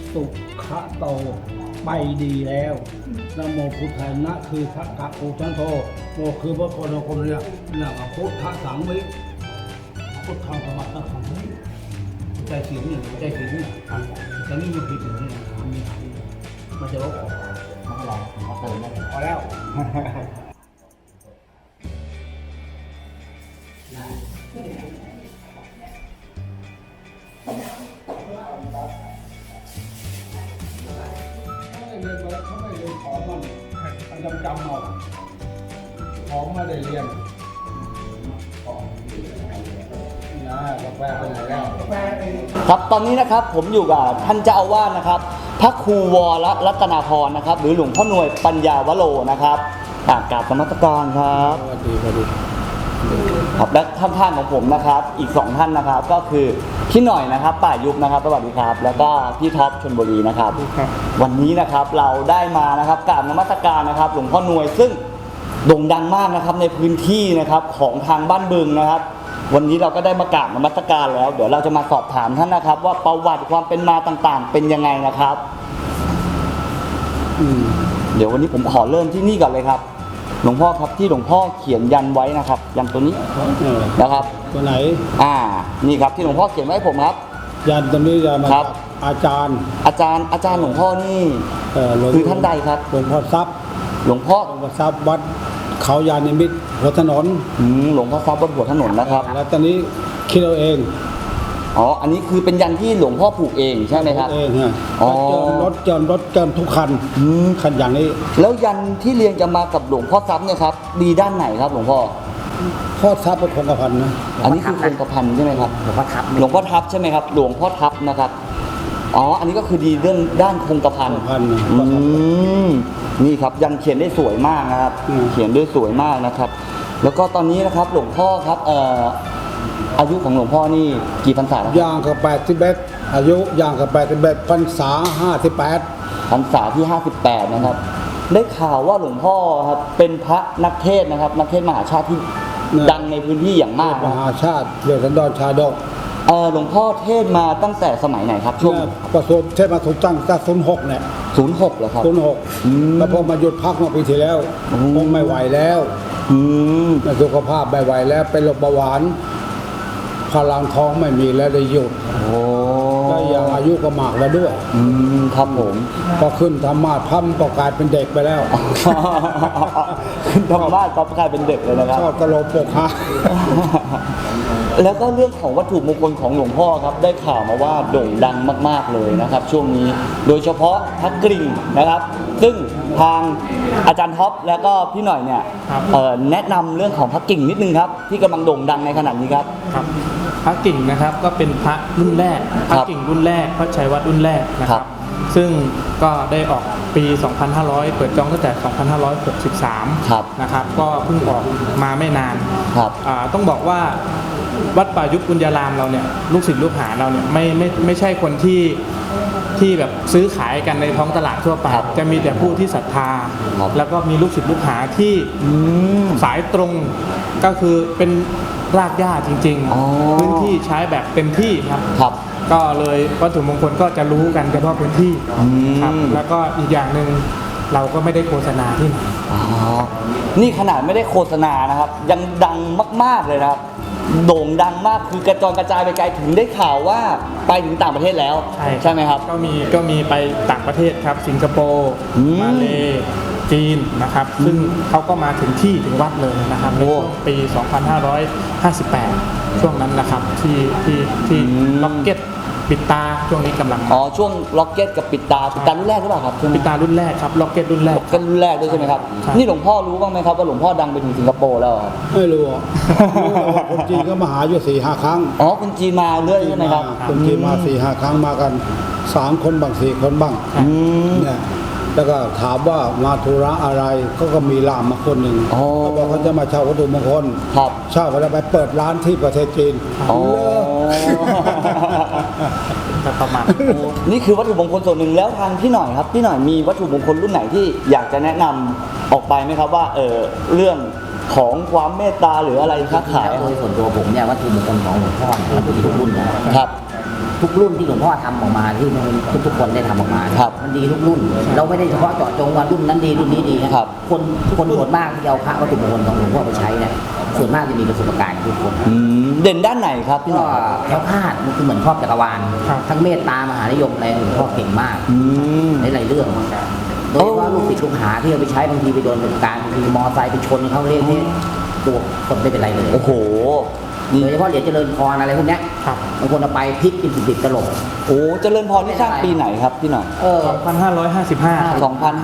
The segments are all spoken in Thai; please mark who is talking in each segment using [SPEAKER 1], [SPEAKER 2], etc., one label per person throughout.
[SPEAKER 1] สุขโตไปดีแล้วนะโมพุทธานะคือพระกะโอชันโตโมคือพระโคนโคมเนี่ยพุทธสังวิพุทธังสมัตตังสังวิใจศีลเนี่ยใจศีลเนี่ยแต่นี่มันผิดอยู่เนี่ยมันจะลบออกไม่เป็นไรเขาเติมได้พอแล้วเรียนมาแล้วเขาไม่เรียนของมันจำเอาของไม่ได้เรียนนะกาแฟเป็นไงแล้ว
[SPEAKER 2] ครับตอนนี้นะครับผมอยู่กับท่านเจ้าอาวาสนะครับพระครูวรรัตนาพรนะครับหรือหลวงพ่อหน่วยปัญญาวโรนะครับกราบนมัสการครับ
[SPEAKER 1] สวัสดี
[SPEAKER 2] ครับและท่านของผมนะครับอีก2ท่านนะครับก็คือพี่หน่อยนะครับป่ายุบนะครับสวัสดีครับแล้วก็พี่ท็อปชลบุรีนะครับวันนี้นะครับเราได้มานะครับกราบนมัสการนะครับหลวงพ่อหน่วยซึ่งโด่งดังมากนะครับในพื้นที่นะครับของทางบ้านบึงนะครับวันนี้เราก็ได้มากราบนมัสการแล้วเดี๋ยวเราจะมาสอบถามท่านนะครับว่าประวัติความเป็นมาต่างๆเป็นยังไงนะครับเดี๋ยววันนี้ผมขอเริ่มที่นี่ก่อนเลยครับหลวงพ่อครับที่หลวงพ่อเขียนยันไว้นะครับยันตัวนี้นะครับ
[SPEAKER 1] ตัวไหน
[SPEAKER 2] นี่ครับที่หลวงพ่อเขียนไว้ผมครับ
[SPEAKER 1] ยันตัวนี้ยันมาจากอาจารย์
[SPEAKER 2] หลวงพ่อนี่คือท่านใดครับ
[SPEAKER 1] หลวงพ่อทรัพย์
[SPEAKER 2] หลวงพ่อ
[SPEAKER 1] ทรัพย์วัดเขายานิมิตรหัวถนน
[SPEAKER 2] หลวงพ่อทรัพย์วัดหัวถนนนะครับ
[SPEAKER 1] แล้วตอนนี้คิดเอาเอง
[SPEAKER 2] อันนี้คือเป็นยันที่หลวงพ่อผูกเองใช่ไหมครับ
[SPEAKER 1] เองฮะรถเจิมทุกคันอย่างนี้
[SPEAKER 2] แล้วยันที่เรียงจะมากับหลวงพ่อทรัพย์เนี่ยครับดีด้านไหนครับหลวงพ่อ
[SPEAKER 1] ทรัพย์เป็นคงกระพันนะ
[SPEAKER 2] อันนี้คือคงกระพันใช่ไหมครับหลวงพ่อทับใช่ไหมครับหลวงพ่อทับนะครับอันนี้ก็คือดีเรื่องด้านคงกระพันนี่ครับยันเขียนได้สวยมากนะครับเขียนได้สวยมากนะครับแล้วก็ตอนนี้นะครับหลวงพ่อครับอายุของหลวงพ่อนี่กี่พรรษา
[SPEAKER 1] ย่างกับ81อายุย่างกับ81พรรษา58
[SPEAKER 2] พรรษาที่58นะครับได้ข่าวว่าหลวงพ่อครับเป็นพระนักเทศนะครับนักเทศมหาชาติที่ดังในพื้นที่อย่างมาก
[SPEAKER 1] มหาชาติเรือสันดรชาดก
[SPEAKER 2] หลวงพ่อเทศมาตั้งแต่สมัยไหนครับ
[SPEAKER 1] ช่วงประสบเทศมาถูกตั้งแต่06เนี่ย
[SPEAKER 2] 06เหรอครับ
[SPEAKER 1] 06แล้วพอมาหยุดพักเมื่อปีที่แล้วคงไม่ไหวแล้วสุขภาพไม่ไหวแล้วเป็นโรคเบาหวานพลังท้องไม่มีแล้วได้หยุดก็ยังอายุก็มากแล้วด้วย
[SPEAKER 2] ครับผม
[SPEAKER 1] พอขึ้นธรรมะพัมก็กลายเป็นเด็กไปแล้ว
[SPEAKER 2] ขึ้นธรรมะก็กลายเป็นเด็กเลยนะครับ
[SPEAKER 1] ชอบตลกปกฮะ
[SPEAKER 2] แล้วก็เรื่องของวัตถุมงคลของหลวงพ่อครับได้ข่าวมาว่าโด่งดังมากๆเลยนะครับช่วงนี้โดยเฉพาะพระกริ่งนะครับซึ่งทางอาจารย์ท็อปแล้วก็พี่หน่อยเนี่ยแนะนำเรื่องของพระกริ่งนิดนึงครับที่กำลังโด่งดังในขณะนี้ครับ
[SPEAKER 3] พระกิ่งนะครับก็เป็นพระรุ่นแรกพระกิ่งรุ่นแรกพระชัยวัดรุ่นแรกนะครับซึ่งก็ได้ออกปี 2500 เปิดจองตั้งแต่ 2563 นะครับก็เพิ่งออกมาไม่นานต้องบอกว่าวัดป่ายุบปุญญารามเราเนี่ยลูกศิษย์ลูกหาเราเนี่ยไม่ใช่คนที่แบบซื้อขายกันในท้องตลาดทั่วไปจะมีแต่ผู้ที่ศรัทธาแล้วก็มีลูกศิษย์ลูกหาที่สายตรงก็คือเป็นรากหญ้าจริงๆพื้นที่ใช้แบบเต็มที่ครับก็เลยวัตถุมงคลก็จะรู้กันเฉพาะพื้นที่ครับแล้วก็อีกอย่างหนึ่งเราก็ไม่ได้โฆษณาที่ไหน
[SPEAKER 2] นี่ขนาดไม่ได้โฆษณานะครับยังดังมากๆเลยนะครับโด่งดังมากคือกระจรกระจายไปไกลถึงได้ข่าวว่าไปถึงต่างประเทศแล้วใช่ไหมครับ
[SPEAKER 3] ก็มีไปต่างประเทศครับสิงคโปร์มาเลจีนนะครับซึ่งเขาก็มาถึงถึงวัดเลยนะครับในช่วงปี 2558 ช่วงนั้นนะครับที่ล็อกเก็ตปิดตาช่วงนี้กำลัง
[SPEAKER 2] ช่วงล็อกเก็ตกับปิดตารุ่นแรกหรือเปล่าครับ
[SPEAKER 3] ปิดตารุ่นแรกครับล็อกเก็ตรุ่นแรก
[SPEAKER 2] ด้วยใช่ไหมครับนี่หลวงพ่อรู้บ้างไหมครับว่าหลวงพ่อดังไปถึงสิงคโปร์แล้ว
[SPEAKER 1] ไม่รู้คนจีนก็มาหาอยู่4-5 ครั้ง
[SPEAKER 2] คนจีนมาเรื่อยใช่ไหมครับ
[SPEAKER 1] คนจีนมา4-5 ครั้งมากัน3 คนบ้าง4 คนบ้างเนี่ยแล้วก็ถามว่ามาธุระอะไรก็มีล่ามมาคนหนึ่งเขาบอกเขาจะมาเช่าวัตถุมงคลเช่าแล้วไปเปิดร้านที่ประเทศจีน
[SPEAKER 2] ประมาณนี่คือวัตถุมงคลส่วนหนึ่งแล้วทางพี่หน่อยครับพี่หน่อยมีวัตถุมงคลรุ่นไหนที่อยากจะแนะนำออกไปไหมครับว่าเรื่องของความเมตตาหรืออะไรค้าขาย
[SPEAKER 4] โดยส่วนตัวผมเนี่ยวัตถุมงคลของหลวงพ่อนะครับทุกรุ่นนะครับทุกรุ่นที่หลวงพ่อทำออกมาที่ทุกคนได้ทำออกมา
[SPEAKER 2] ครับ
[SPEAKER 4] มันดีทุกรุ่น เราไม่ได้เฉพาะเจาะจงว่ารุ่นนั้นดีรุ่นนี้ดีนะครับ คนส่วนมากที่เอาพระวัตถุมงคลของหลวงพ่อไปใช้เนี่ยส่วนมากจะมีประสบการณ์ทุกคน
[SPEAKER 2] เด่นด้านไหนครับพี่ห
[SPEAKER 4] ก็
[SPEAKER 2] น่อยครับ
[SPEAKER 4] แคล้วคลาดมันคือเหมือนครอบจักรวาล
[SPEAKER 3] ครับ
[SPEAKER 4] ทั้งเมตตามหานิยมอะไรหลวงพ่อเก่งมาก
[SPEAKER 2] อืม
[SPEAKER 4] ในหลายเรื่องโดยเฉพาะลูกศิษย์ลูกหาที่เอาไปใช้บางทีไปโดนเหตุการณ์บางทีมอไซค์ไปชนเขาเละเทะตัวคนไม่เป็นไรเลย
[SPEAKER 2] โอ้โหนี่
[SPEAKER 4] โดยเฉพาะเหรียญเจริญพรอะไรพวกเนี้ย
[SPEAKER 3] ครับ
[SPEAKER 4] บางคนเอาไปพลิกเป็นสิบๆตลบ
[SPEAKER 2] โอ้เจริญพรนี่สร้างปีไหนครับพี่หน่อย
[SPEAKER 3] 2555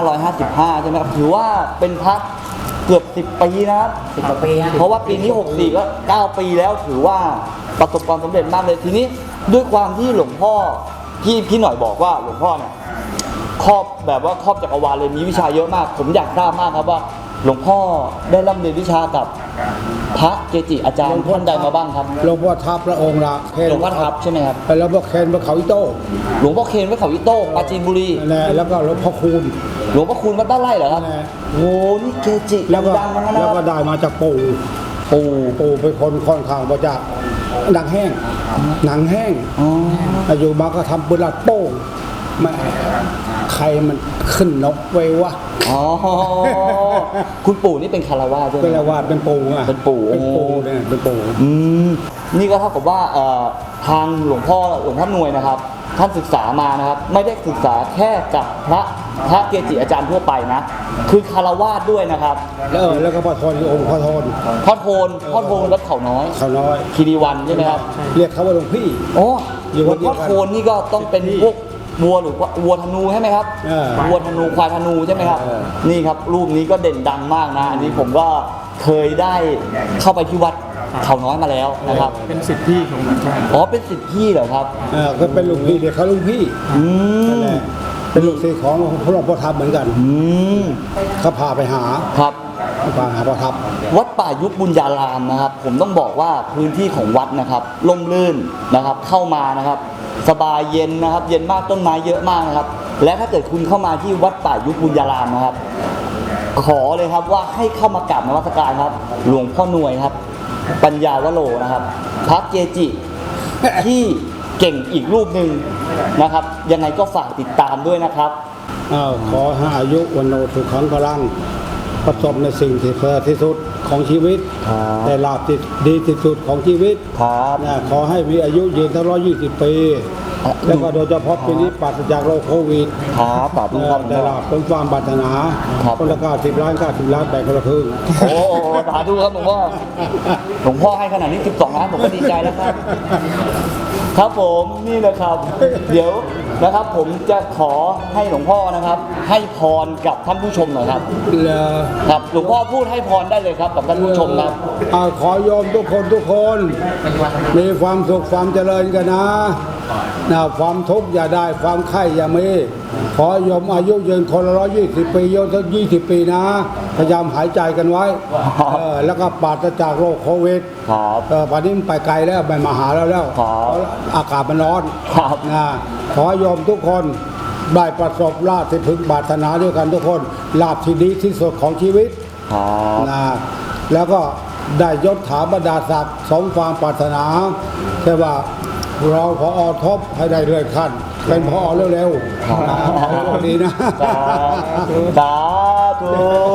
[SPEAKER 2] 2555 ใช่ไหมครับถือว่าเป็นพระเกือบ 10 ปีนะครับ
[SPEAKER 4] สิบกว่าปีฮะ
[SPEAKER 2] เพราะว่าปีนี้ 64 ก็ 9 ปีแล้วถือว่าประสบความสำเร็จมากเลยทีนี้ด้วยความที่หลวงพ่อที่พี่หน่อยบอกว่าหลวงพ่อเนี่ยครอบแบบว่าครอบจักรวาลเลยมีวิชาเยอะมาก ผมอยากทราบมากครับว่าหลวงพ่อได้ร่ำเรียนวิชากับพระเกจิอาจารย์ท่านใดมาบ้างครับ
[SPEAKER 1] หลวงพ่อทับพระองค์ละเคน
[SPEAKER 2] หลวงพ่อทับใช่ไหมครับ
[SPEAKER 1] แล้วพ่อเคนพระเขาอิโต้
[SPEAKER 2] หลวงพ่อเคนวัดเขาอิโต้ปราจีนบุรี
[SPEAKER 1] นั่นแหละแล้วก็หลวงพ่อคูณ
[SPEAKER 2] หลวงพ่อคูณวัดบ้านไร่เหรอครับ
[SPEAKER 1] นั่นแหละ
[SPEAKER 2] โอ้นี่เกจิ
[SPEAKER 1] แล้วก็
[SPEAKER 2] ดังๆทั้งนั้นนะ
[SPEAKER 1] แล้ว
[SPEAKER 2] ค
[SPEAKER 1] ก็
[SPEAKER 2] รับ
[SPEAKER 1] ได้มาจากปู่
[SPEAKER 2] ปู่
[SPEAKER 1] ปู่เป็นคนค่อนข้างมาจากหนังแห้งหนังแห้ง
[SPEAKER 2] อ๋อ
[SPEAKER 1] อยู่มาก็ทำปืนลัดโป้งแม่ใครมันขึ้นนกไว้วะ
[SPEAKER 2] อ๋อคุณปู่นี่เป็นคารวะด้วย
[SPEAKER 1] เป็น
[SPEAKER 2] ไหม
[SPEAKER 1] ละว่าเป็นปู่อ่ะ
[SPEAKER 2] เป็นปู่
[SPEAKER 1] เป็นปู่เนี่ยเป็นปู่
[SPEAKER 2] อืมนี่ก็เท่ากับว่าทางหลวงพ่อหน่วยนะครับ ท่านศึกษามานะครับ ไม่ได้ศึกษาแค่กับพระเกจิอาจารย์ทั่วไปนะ คือคารวะด้วยนะครับ
[SPEAKER 1] แล้วก็พ่อโทนคือองค์พ่อโทน
[SPEAKER 2] พ่อโทนวัดเขาน้อย
[SPEAKER 1] เขาน้อย
[SPEAKER 2] คีรีวันใช่ไหมครับ
[SPEAKER 1] เรียกเขาว่าหลวงพี่
[SPEAKER 2] โอ้
[SPEAKER 1] อยู่
[SPEAKER 2] หล
[SPEAKER 1] วั
[SPEAKER 2] ว
[SPEAKER 1] ด
[SPEAKER 2] ง
[SPEAKER 1] เดียว
[SPEAKER 2] พ่อ
[SPEAKER 1] กัน
[SPEAKER 2] โทนนี่ก็ต้องเป็นพวกวัวหรือว่าวัวธนูใช่ไหมครับ วัวธนูควายธนูใช่ไหมครับ นี่ครับรูปนี้ก็เด่นดังมากนะ อันนี้ผมก็เคยได้เข้าไปที่วัดเขาน้อยมาแล้วนะครับ
[SPEAKER 3] เป็นสิทธิพี่ของหลวงพ่อ
[SPEAKER 2] อ๋อเป็นสิทธิ์พี่เหรอครับ
[SPEAKER 1] ก็เป็นหลวงพี่เด็กเขาหลวงพี่
[SPEAKER 2] อื
[SPEAKER 1] นั่น
[SPEAKER 2] ม
[SPEAKER 1] แหละเป็นลูกศิษย์ของหลวงพ่อทับเหมือนกัน
[SPEAKER 2] อืม
[SPEAKER 1] เขาพาไปหา
[SPEAKER 2] ครับ
[SPEAKER 1] พาหาพ่อทับ
[SPEAKER 2] วัดป่ายุบบุญญารามนะครับ ผมต้องบอกว่าพื้นที่ของวัดนะครับร่มรื่นนะครับ เข้ามานะครับ สบายเย็นนะครับ เย็นมากต้นไม้เยอะมากนะครับ และถ้าเกิดคุณเข้ามาที่วัดป่ายุบบุญญารามนะครับ ขอเลยครับว่าให้เข้ามากราบนมัสการครับ หลวงพ่อหน่วยครับ ปัญญาวโรนะครับพระเกจิที่เก่งอีกรูปหนึ่งนะครับ ยังไงก็ฝากติดตามด้วยนะครับ
[SPEAKER 1] ขอให้อายุวันโนสุขังพลังประสบในสิ่งที่เพื่อที่สุดของชีวิต
[SPEAKER 2] ครับ
[SPEAKER 1] ได้ลาบที่ดีที่สุดของชีวิต
[SPEAKER 2] ครับ
[SPEAKER 1] นะขอให้มีอายุยืนทั้ง120 ปี แล้วก็โดยเฉพาะปีนี้ปราศจากโรคโควิด
[SPEAKER 2] ครับสาธุครับ
[SPEAKER 1] ได้ลาบเป็นความปรารถนา
[SPEAKER 2] ครับ
[SPEAKER 1] คนละ90 ล้าน90 ล้านแบ่งคนละครึ่ง
[SPEAKER 2] โอ้โหสาธุครับหลวงพ่อหลวงพ่อให้ขนาดนี้12 ล้านผมก็ดีใจแล้วครับ ครับผมนี่นะครับ เดี๋ยวนะครับ ผมจะขอให้หลวงพ่อนะครับ ให้พรกับท่านผู้ชมหน่อยครับ ครับหลวงพ่อพูดให้พรได้เลยครับกับท่านผู้ชมครับ
[SPEAKER 1] ขอโยมทุกคนมีความสุขความเจริญกันนะความทุกข์อย่าได้ความไข้อย่ามีขอโยมอายุยืนคนละ120 ปีโยมสัก20 ปีนะพยายามหายใจกันไว้แล้วก็ปราศจากโรคโควิด
[SPEAKER 2] ครับ
[SPEAKER 1] ป่านนี้มันไปไกลแล้วไปมาหาแล้ว
[SPEAKER 2] ครับ
[SPEAKER 1] เพราะอากาศมันร้อน
[SPEAKER 2] ครับ
[SPEAKER 1] นะขอโยมทุกคนได้ประสบลาภที่พึงปรารถนาด้วยกันทุกคนลาภที่ดีที่สุดของชีวิต
[SPEAKER 2] ครับ
[SPEAKER 1] นะแล้วก็ได้ยศถาบรรดาศักดิ์สมความปรารถนาใช่ว่าเราพอทบให้ได้เลื่อนขั้นเป็นพอเร็วๆนะขอดีนะ
[SPEAKER 2] สาธุ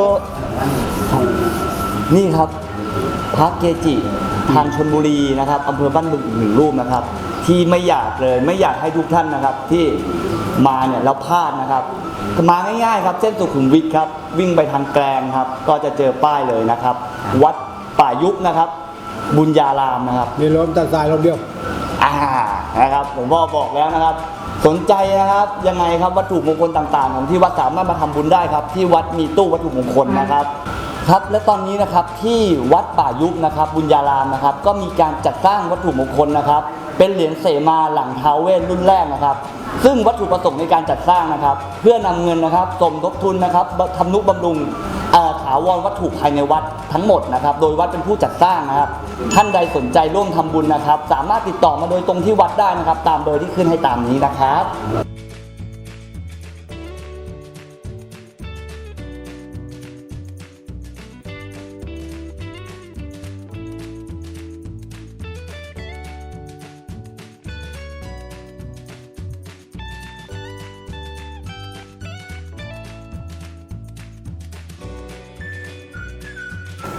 [SPEAKER 2] นี่ครับพระเกจิทางชลบุรีนะครับอำเภอบ้านบึงอีกหนึ่งรูปนะครับ ที่ไม่อยากให้ทุกท่านนะครับ ที่มาเนี่ยแล้วพลาดนะครับมาง่ายๆครับเส้นสุขุมวิทครับวิ่งไปทางแกลงครับ ก็จะเจอป้ายเลยนะครับ วัดป่ายุบนะครับ บุญญารามนะครับ
[SPEAKER 1] มีลมตาสายลมเดียว
[SPEAKER 2] นะครับหลวงพ่อบอกแล้วนะครับ สนใจนะครับยังไงครับวัตถุมงคลต่างๆ ของที่วัดสามารถมาทำบุญได้ครับ ที่วัดมีตู้วัตถุมงคลนะครับครับและตอนนี้นะครับที่วัดป่ายุบนะครับ บุญญารามนะครับ ก็มีการจัดสร้างวัตถุมงคลนะครับ เป็นเหรียญเสมาหลังท้าวเวสรุ่นแรกนะครับ ซึ่งวัตถุประสงค์ในการจัดสร้างนะครับ เพื่อนำเงินนะครับสมทบทุนนะครับทำนุบำรุงถาวรวัตถุภายในวัดทั้งหมดนะครับ โดยวัดเป็นผู้จัดสร้างนะครับ ท่านใดสนใจร่วมทำบุญนะครับ สามารถติดต่อมาโดยตรงที่วัดได้นะครับ ตามเบอร์ที่ขึ้นให้ตามนี้นะครับ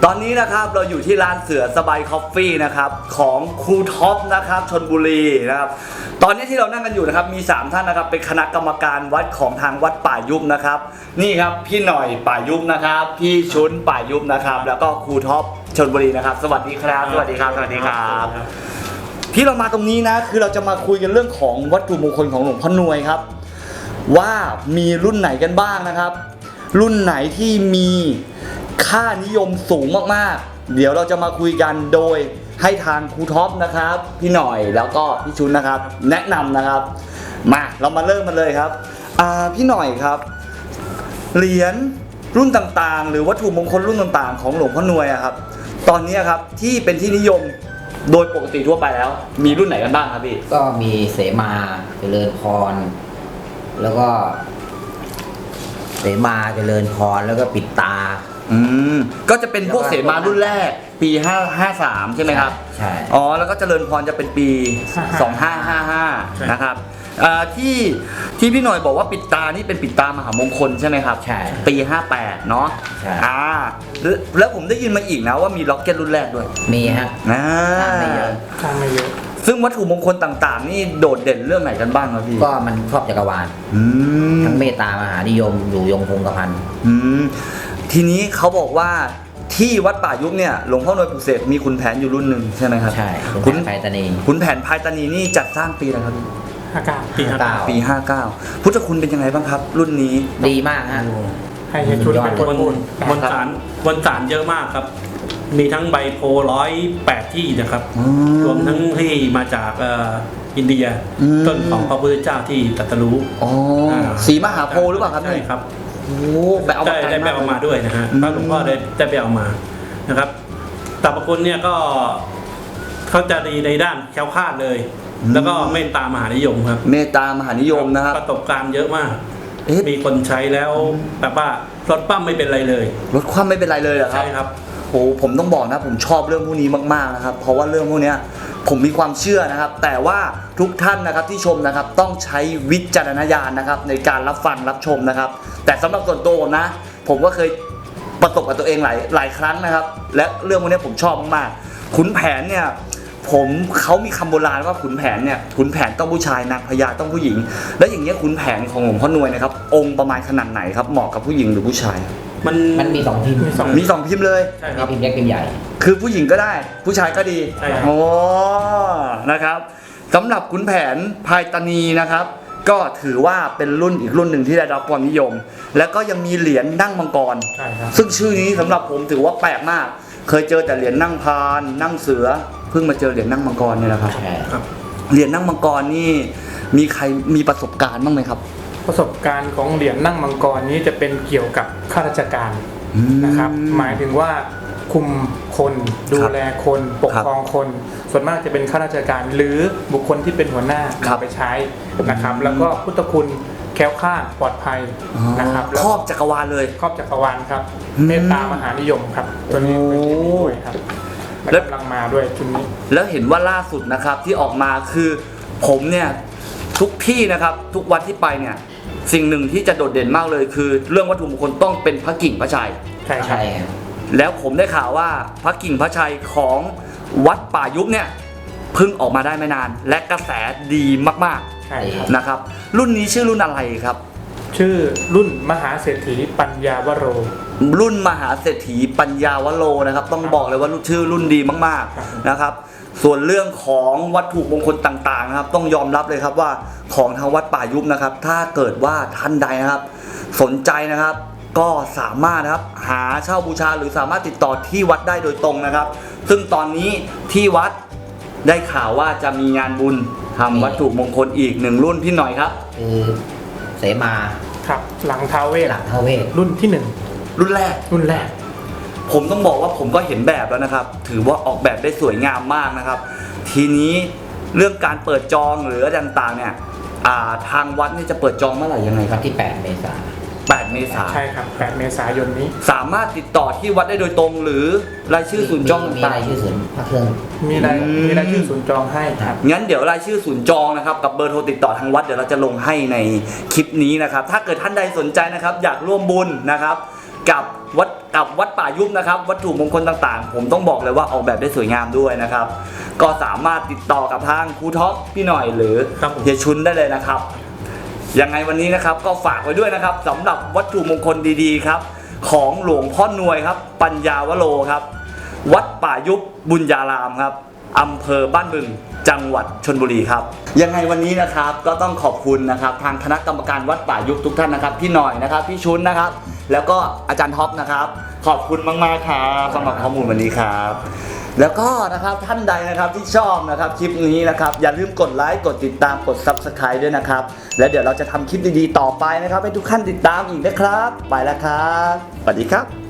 [SPEAKER 2] ตอนนี้นะครับเราอยู่ที่ร้านเสือสบายคอฟฟี่นะครับของครูท็อปนะครับชลบุรีนะครับตอนนี้ที่เรานั่งกันอยู่นะครับมี3ท่านนะครับเป็นคณะกรรมการวัดของทางวัดป่ายุบนะครับนี่ครับพี่หน่อยป่ายุบนะครับพี่ชุนป่ายุบนะครับแล้วก็ครูท็อปชลบุรีนะครับสวัสดีครับสวัสดีครับสวัสดีครับที่เรามาตรงนี้นะคือเราจะมาคุยกันเรื่องของวัตถุมงคลของหลวงพ่อหน่วยครับว่ามีรุ่นไหนกันบ้างนะครับรุ่นไหนที่มีค่านิยมสูงมากๆเดี๋ยวเราจะมาคุยกันโดยให้ทางครูท็อปนะครับพี่หน่อยแล้วก็พี่ชุนนะครับแนะนำนะครับมาเรามาเริ่มกันเลยครับพี่หน่อยครับเหรียญรุ่นต่างๆหรือวัตถุมงคลรุ่นต่างๆของหลวงพ่อหน่วยอะครับตอนนี้ครับที่เป็นที่นิยมโดยปกติทั่วไปแล้วมีรุ่นไหนกันบ้างครับพี่
[SPEAKER 4] ก็มีเสมาเจริญพรแล้วก็เสมาเจริญพรแล้วก็ปิดตา
[SPEAKER 2] ก็จะเป็นพวกเสมารุ่นแรกปี553ใช่ไหมครับ
[SPEAKER 4] ใช่
[SPEAKER 2] อ๋อแล้วก็เจริญพรจะเป็นปี2555นะครับที่พี่หน่อยบอกว่าปิดตานี่เป็นปิดตามหามงคลใช่ไหมครับ
[SPEAKER 4] ใช่
[SPEAKER 2] ปี58เนาะ
[SPEAKER 4] ใช่
[SPEAKER 2] แล้วผมได้ยินมาอีกนะว่ามีล็อกเก็ตรุ่นแรกด้วย
[SPEAKER 4] มีฮะ
[SPEAKER 3] ไม่เยอะ
[SPEAKER 2] ซึ่งวัตถุมงคลต่างๆนี่โดดเด่นเรื่องไหนกันบ้างครับพี่
[SPEAKER 4] ก็มันครอบจักรวาลทั้งเมตตามหานิยมอยู่ยงคงกระพัน
[SPEAKER 2] ทีนี้เขาบอกว่าที่วัดป่ายุบเนี่ยหลวงพ่อหน่วยปลุกเสกมีขุนแผนอยู่รุ่นหนึ่งใช่ไหมครับ
[SPEAKER 4] ใช่ขุนแผนไพตานี
[SPEAKER 2] ขุนแผนไพตานีนี่จัดสร้างปีอะไรครับ
[SPEAKER 3] ปี
[SPEAKER 2] 59พุทธคุณเป็นยังไงบ้างครับรุ่นนี้
[SPEAKER 4] ดีมากฮะ
[SPEAKER 3] ให้ชุดเป็นคนพูด
[SPEAKER 5] มนสารเยอะมากครับมีทั้งใบโพ108ที่นะครับรวมทั้งที่มาจากอินเดียต้นของพระพุทธเจ้าที่ตรัสรู้
[SPEAKER 2] สีมหาโพธิ์หรือเปล่าครับ
[SPEAKER 5] ใช่ครับ
[SPEAKER 2] โอ้ไปเอามา
[SPEAKER 5] ได้ไปเอามาด้วยนะฮะพระหลวงพ่อได้ไปเอามานะครับตรรพคุณเนี่ยก็เขาจะดีในด้านแคล้วคลาดเลยแล้วก็เมตตามหานิยมครับ
[SPEAKER 2] เมตตามหานิยมนะครับ
[SPEAKER 5] ประสบการณ์เยอะมากมีคนใช้แล้วแบบว่ารถปั้มไม่เป็นไรเลย
[SPEAKER 2] รถคว่ำไม่เป็นไรเลยเหรอครับ
[SPEAKER 5] ใช่ครับ
[SPEAKER 2] โอ้ผมต้องบอกนะผมชอบเรื่องพวกนี้มากๆนะครับเพราะว่าเรื่องพวกนี้ผมมีความเชื่อนะครับแต่ว่าทุกท่านนะครับที่ชมนะครับต้องใช้วิจารณญาณนะครับในการรับฟังรับชมนะครับแต่สำหรับส่วนตัวผมนะผมก็เคยประสบกับตัวเองหลายครั้งนะครับและเรื่องพวกนี้ผมชอบมากๆขุนแผนเนี่ยเขามีคำโบราณว่าขุนแผนเนี่ยขุนแผนต้องผู้ชายนางพญาต้องผู้หญิงแล้วอย่างเงี้ยขุนแผนของหลวงพ่อหน่วยนะครับองค์ประมาณขนาดไหนครับเหมาะกับผู้หญิงหรือผู้ชาย
[SPEAKER 4] มันมี2พิมพ์
[SPEAKER 2] มี2พิมพ์เลย
[SPEAKER 5] ใช่ครับ
[SPEAKER 4] พิมพ์เล็กพิมพ์ใหญ่
[SPEAKER 2] คือผู้หญิงก็ได้ผู้ชายก็ดี
[SPEAKER 5] ใช่ครับ
[SPEAKER 2] โอ้นะครับสำหรับขุนแผนไพตานีนะครับก็ถือว่าเป็นรุ่นอีกรุ่นหนึ่งที่ได้รับความนิยมแล้วก็ยังมีเหรียญนั่งมังกรซึ่งชื่อนี้สำหรับผมถือว่าแปลกมากเคยเจอแต่เหรียญนั่งพานนั่งเสือเพิ่งมาเจอเหรียญนั่งมังกรเนี่ยนะครับเหรียญนั่งมังกรนี่มีใครมีประสบการณ์บ้างไหมครับ
[SPEAKER 3] ประสบการณ์ของเหรียญนั่งมังกรนี้จะเป็นเกี่ยวกับข้าราชการนะครับหมายถึงว่าคุมคนดูแลคนปกครองคนส่วนมากจะเป็นข้าราชการหรือบุคคลที่เป็นหัวหน้าไปใช้นะครับแล้วก็พุทธคุณแคล้วคลาดปลอดภัยนะครับ
[SPEAKER 2] ครอบจักรวาลเลย
[SPEAKER 3] ครอบจักรวาลครับเมตตามหานิยมครับตัวนี้เป็นที่ดีด้วยครับแล้วกำลังมาด้วยชุดนี้
[SPEAKER 2] แล้วเห็นว่าล่าสุดนะครับที่ออกมาคือผมเนี่ยทุกที่นะครับทุกวัดที่ไปเนี่ยสิ่งหนึ่งที่จะโดดเด่นมากเลยคือเรื่องวัตถุมงคลต้องเป็นพระกิ่งพระชัย
[SPEAKER 3] ใช่ครับ
[SPEAKER 2] แล้วผมได้ข่าวว่าพระกิ่งพระชัยของวัดป่ายุบเนี่ยเพิ่งออกมาได้ไม่นานและกระแสดีมากๆนะครับรุ่นนี้ชื่อรุ่นอะไรครับ
[SPEAKER 3] ชื่อรุ่นมหาเศรษฐีปัญญาวโร
[SPEAKER 2] รุ่นมหาเศรษฐีปัญญาวโรนะครับต้องบอกเลยว่าชื่อรุ่นดีมากๆนะครับส่วนเรื่องของวัตถุมงคลต่างๆนะครับต้องยอมรับเลยครับว่าของทางวัดป่ายุบนะครับถ้าเกิดว่าท่านใดนะครับสนใจนะครับก็สามารถนะครับหาเช่าบูชาหรือสามารถติดต่อที่วัดได้โดยตรงนะครับซึ่งตอนนี้ที่วัดได้ข่าวว่าจะมีงานบุญทำวัตถุมงคลอีก1รุ่นพี่หน่อยครับ
[SPEAKER 4] คือเสมา
[SPEAKER 3] ครับหลังท้าวเวสรุ่นที่1
[SPEAKER 2] รุ่นแรกผมต้องบอกว่าผมก็เห็นแบบแล้วนะครับถือว่าออกแบบได้สวยงามมากนะครับทีนี้เรื่องการเปิดจองหรืออะไรต่างๆเนี่ยทางวัดนี่จะเปิดจองเมื่อไหร่ยังไงครับ
[SPEAKER 4] ที่8 เมษายน
[SPEAKER 3] ใช่ครับ8 เมษายนนี้
[SPEAKER 2] สามารถติดต่อที่วัดได้โดยตรงหรือรายชื่อศูนย์จอง
[SPEAKER 4] มีรายชื่อศูนย์พระเครื่อง
[SPEAKER 3] มีรายชื่อศูนย์จองให้ครับ
[SPEAKER 2] งั้นเดี๋ยวรายชื่อศูนย์จองนะครับกับเบอร์โทรติดต่อทางวัดเดี๋ยวเราจะลงให้ในคลิปนี้นะครับถ้าเกิดท่านใดสนใจนะครับอยากร่วมบุญนะครับกับวัดกับวัดป่ายุบนะครับวัตถุมงคลต่างๆผมต้องบอกเลยว่าออกแบบได้สวยงามด้วยนะครับก็สามารถติดต่อกับทางครูท็อปพี่หน่อยหรือเฮียชุนได้เลยนะครับยังไงวันนี้นะครับก็ฝากไว้ด้วยนะครับสำหรับวัตถุมงคลดีๆครับของหลวงพ่อนวยครับปัญญาวโรครับวัดป่ายุบบุญญารามครับอำเภอบ้านบึงจังหวัดชลบุรีครับยังไงวันนี้นะครับก็ต้องขอบคุณนะครับทางคณะกรรมการวัดป่ายุบทุกท่านนะครับพี่หน่อยนะครับพี่ชุนนะครับแล้วก็อาจารย์ท็อปนะครับขอบคุณมากๆครับสำหรับข้อมูลวันนี้ครับแล้วก็นะครับท่านใดนะครับที่ชอบนะครับคลิปนี้นะครับอย่าลืมกดไลค์กดติดตามกด Subscribe ด้วยนะครับแล้วเดี๋ยวเราจะทำคลิปดีๆต่อไปนะครับให้ทุกท่านติดตามอีกนะครับไปแล้วครับสวัสดีครับ